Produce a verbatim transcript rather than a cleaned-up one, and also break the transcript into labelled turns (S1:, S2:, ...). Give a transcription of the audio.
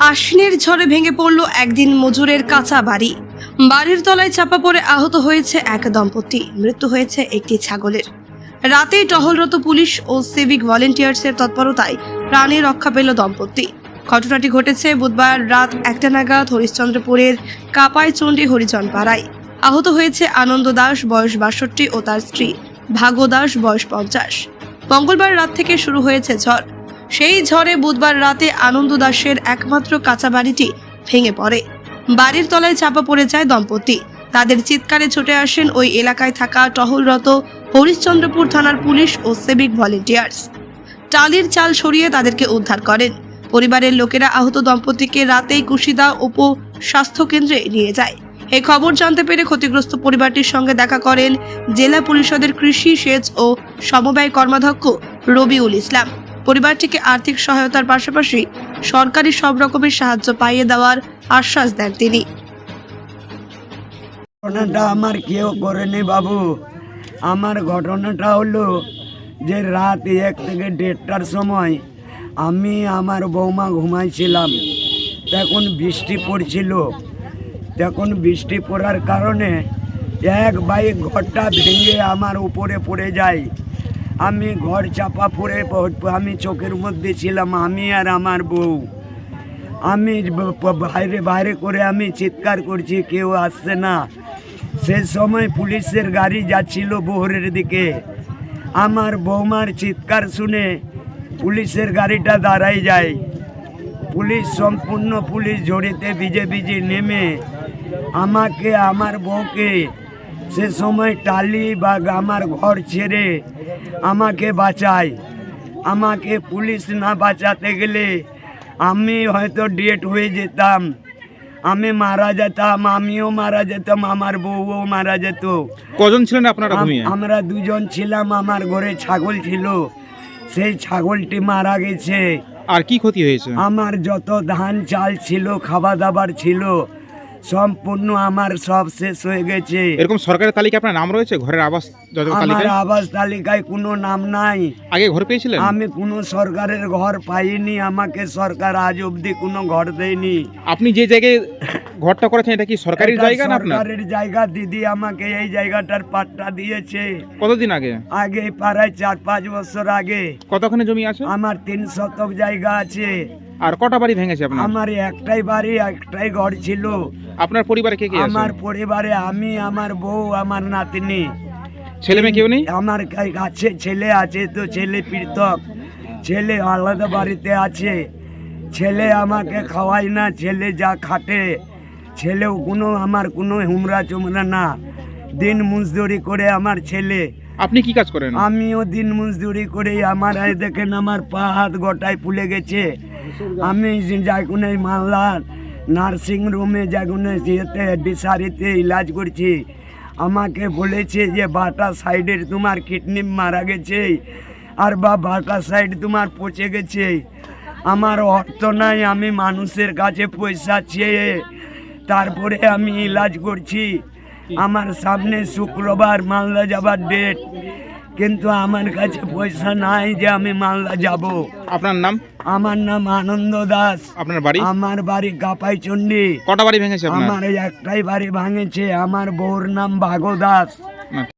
S1: আশ্বিনের ঝড়ে ভেঙে পড়ল একদিন মজুরের কাঁচা বাড়ি। বাড়ির তলায় চাপা পড়ে আহত হয়েছে এক দম্পতি, মৃত্যু হয়েছে একটি ছাগলের। রাতেই টহলরত পুলিশ ও সিভিক ভলেন্টিয়ার্সের তৎপরতায় প্রাণে রক্ষা পেল দম্পতি। ঘটনাটি ঘটেছে বুধবার রাত একটা নাগাদ হরিশ্চন্দ্রপুরের কাপাইচণ্ডী হরিজন পাড়ায়। আহত হয়েছে আনন্দ দাস, বয়স বাষট্টি, ও তার স্ত্রী ভাগো দাস, বয়স পঞ্চাশ। মঙ্গলবার রাত থেকে শুরু হয়েছে ঝড়। সেই ঝড়ে বুধবার রাতে আনন্দ দাসের একমাত্র কাঁচা বাড়িটি ভেঙে পড়ে। বাড়ির তলায় চাপা পড়ে যায় দম্পতি। তাদের চিৎকারে ছুটে আসেন ওই এলাকায় থাকা টহলরত হরিশ্চন্দ্রপুর থানার পুলিশ ও সিভিক ভলেন্টিয়ার্স। টালির চাল সরিয়ে তাদেরকে উদ্ধার করেন। পরিবারের লোকেরা আহত দম্পতিকে রাতেই কুশিদা উপ স্বাস্থ্য কেন্দ্রে নিয়ে যায়। এই খবর জানতে পেরে ক্ষতিগ্রস্ত পরিবারটির সঙ্গে দেখা করেন জেলা পরিষদের কৃষি, সেচ ও সমবায় কর্মাধ্যক্ষ রবিউল ইসলাম। পরিবারটিকে আর্থিক সহায়তার পাশাপাশি সরকারি সব রকমের সাহায্য পাইয়ে দেওয়ার আশ্বাস দেন তিনি।
S2: ঘটনাটা আমার কেউ করেনি বাবু। আমার ঘটনাটা হলো যে রাত এক থেকে দেড়টার সময় আমি আমার বৌমা ঘুমাইছিলাম। তখন বৃষ্টি পড়ছিল। তখন বৃষ্টি পড়ার কারণে এক বাইক ঘরটা ভেঙে আমার উপরে পড়ে যায়। আমি ঘর চাপা পড়ে আমি চোখের মধ্যে ছিলাম, আমি আর আমার বউ। আমি বাইরে বাইরে করে আমি চিৎকার করছি, কেউ আসছে না। সে সময় পুলিশের গাড়ি যাচ্ছিল বহরের দিকে। আমার বৌমার চিৎকার শুনে পুলিশের গাড়িটা দাঁড়াই যায়। পুলিশ সম্পূর্ণ পুলিশ জড়িতে ভিজে ভিজে নেমে আমাকে, আমার বউকে সে সময় টালি বা আমার ঘর ছেড়ে আমাকে বাঁচায়। আমাকে পুলিশ না বাঁচাতে গেলে আমি হয়তো ডেট হয়ে যেতাম, আমি মারা যেতাম, আমিও মারা যেতাম, আমার বউও মারা যেত।
S3: কজন ছিলেন আপনারা?
S2: আমরা দুজন ছিলাম। আমার ঘরে ছাগল ছিল, সেই ছাগলটি মারা গেছে।
S3: আর কি ক্ষতি হয়েছে?
S2: আমার যত ধান চাল ছিল, খাওয়া দাবার ছিল, সম্পূর্ণ আমার সব শেষ হয়ে গেছে।
S3: এরকম সরকারের তালিকা আপনার নাম রয়েছে ঘরের আবাস
S2: আমার আবাস তালিকায় কোনো নাম নাই।
S3: আগে ঘর পেয়েছিলেন?
S2: আমি কোনো সরকারের ঘর পাইনি। আমাকে সরকার আজ অবধি কোনো ঘর দেয়নি।
S3: আপনি যে জায়গায় ঘরটা করেছেন এটা কি সরকারি জায়গা না আপনার?
S2: সরকারের জায়গা। দিদি আমাকে এই জায়গাটার পাট্টা দিয়েছে।
S3: কতদিন আগে?
S2: আগে প্রায় চার পাঁচ বছর আগে।
S3: কতখানি জমি আছে?
S2: আমার তিন শতক জায়গা আছে।
S3: আর কটা বাড়ি ভেঙেছে আপনার?
S2: আমার একটাই বাড়ি, একটাই ঘর ছিল।
S3: আপনার পরিবারে কে কে আছে?
S2: আমার পরিবারে আমি, আমার বউ, আমার নাতনি।
S3: ছেলে মেয়ে কেউ নেই?
S2: আমার কাছে ছেলে আছে, তো ছেলে পৃথক, ছেলে আলাদা বাড়িতে আছে। ছেলে আমাকে খাওয়ায় না, ছেলে যা খাটে। ছেলেও কোনো আমার কোনো হুমরা চুমরা না, দিন মজদুরি করে আমার ছেলে।
S3: আপনি কি কাজ করেন?
S2: আমিও দিন মজদুরি করে। আমার এই দেখেন আমার পা হাত গোটায় ফুলে গেছে। আমি যাগুনে মালদা নার্সিং রুমে যাগুনে যেতে ডিসারিতে ইলাজ করছি। আমাকে বলেছে যে বাটা সাইডের তোমার কিডনি মারা গেছে, আর বা বাটা সাইড তোমার পচে গেছে। আমার অর্থ নাই, আমি মানুষের কাছে পয়সা চেয়ে তারপরে আমি ইলাজ করছি। আমার সামনে শুক্রবার মালদা যাবার ডেট, কিন্তু আমার কাছে পয়সা নাই যে আমি মালদা যাব।
S3: আপনার নাম?
S2: আমার নাম আনন্দ দাস।
S3: আপনার বাড়ি?
S2: আমার বাড়ি কাপাইচণ্ডী।
S3: কটা বাড়ি ভেঙেছে আপনার?
S2: আমার একটাই বাড়ি ভাঙেছে। আমার বউর নাম ভাগো দাস।